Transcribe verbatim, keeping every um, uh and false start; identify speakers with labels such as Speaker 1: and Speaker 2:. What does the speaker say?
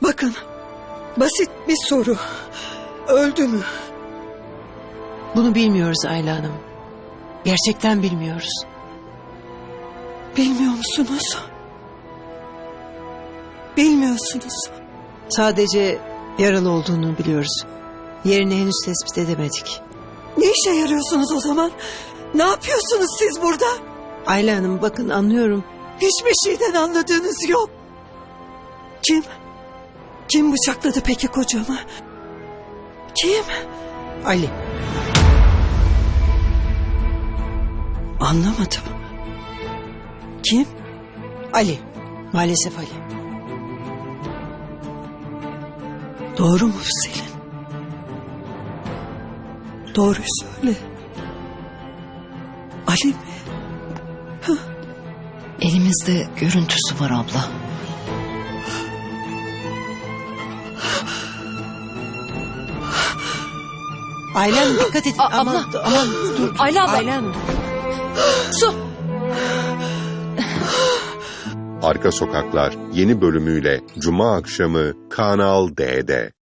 Speaker 1: Bakın, basit bir soru. Öldü mü?
Speaker 2: Bunu bilmiyoruz Ayla Hanım. Gerçekten bilmiyoruz.
Speaker 1: Bilmiyor musunuz? Bilmiyorsunuz.
Speaker 2: Sadece yaralı olduğunu biliyoruz. Yerini henüz tespit edemedik.
Speaker 1: Ne işe yarıyorsunuz o zaman? Ne yapıyorsunuz siz burada?
Speaker 2: Ayla Hanım bakın anlıyorum.
Speaker 1: Hiçbir şeyden anladığınız yok. Kim? Kim bıçakladı peki kocamı? Kim?
Speaker 2: Ali.
Speaker 1: Anlamadım. Kim?
Speaker 2: Ali. Maalesef Ali.
Speaker 1: Doğru mu Selin? Doğruyu söyle. Ali mi?
Speaker 3: Elimizde görüntüsü var abla.
Speaker 2: Ayla Hanım dikkat edin.
Speaker 3: A-
Speaker 2: aman,
Speaker 3: abla.
Speaker 2: aman dur.
Speaker 3: Ayla abla.
Speaker 2: Ayla Hanım.
Speaker 3: Su.
Speaker 4: Arka Sokaklar yeni bölümüyle Cuma akşamı Kanal D'de.